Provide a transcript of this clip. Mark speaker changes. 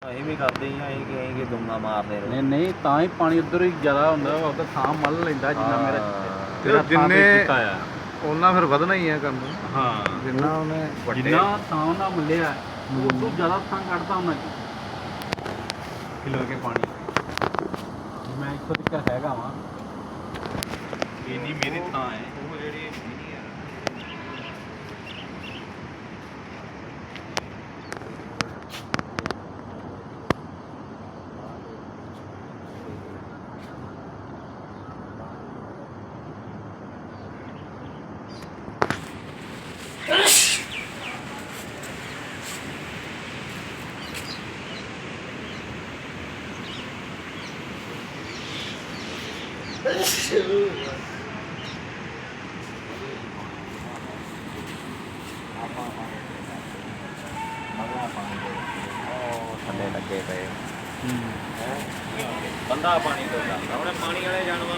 Speaker 1: ਅਸੀਂ ਵੀ ਕਰਦੇ ਹੀ ਆ ਅਸੀਂ ਕਿ ਦੁੰਗਾ ਮਾਰਦੇ ਰਹੇ।
Speaker 2: ਨਹੀਂ ਨਹੀਂ ਤਾਂ ਹੀ ਪਾਣੀ ਉੱਧਰ ਹੀ ਜ਼ਿਆਦਾ ਹੁੰਦਾ ਉਹਦਾ ਥਾਂ ਮੱਲ ਲੈਂਦਾ ਜਿੰਨਾ ਮੇਰਾ
Speaker 3: ਜਿੰਨੇ
Speaker 2: ਕੀਤਾ ਆ
Speaker 3: ਉਹਨਾਂ ਫਿਰ ਵਧਣਾ ਹੀ ਆ ਕੰਮ।
Speaker 2: ਹਾਂ
Speaker 3: ਜਿੰਨਾ ਉਹਨੇ
Speaker 2: ਜਿੰਨਾ ਥਾਂ ਉਹਨਾਂ ਮੱਲਿਆ ਉਹ ਤੋਂ ਜ਼ਿਆਦਾ ਥਾਂ ਕੱਢਦਾ ਉਹਨਾਂ ਕਿਲੋ ਕੇ ਪਾਣੀ। ਮੈਂ ਇੱਥੋਂ ਤੱਕ ਹੈਗਾ ਵਾਂ ਇੰਨੀ ਮੇਰੀ ਥਾਂ ਹੈ ਉਹ ਜਿਹੜੀ
Speaker 1: ਥੱਲੇ ਲੱਗੇ ਪਏ ਬੰਦਾ ਪਾਣੀ ਤੋਂ ਜਾਂਦਾ ਹੁਣ ਪਾਣੀ ਵਾਲੇ ਜਾਨਵਰ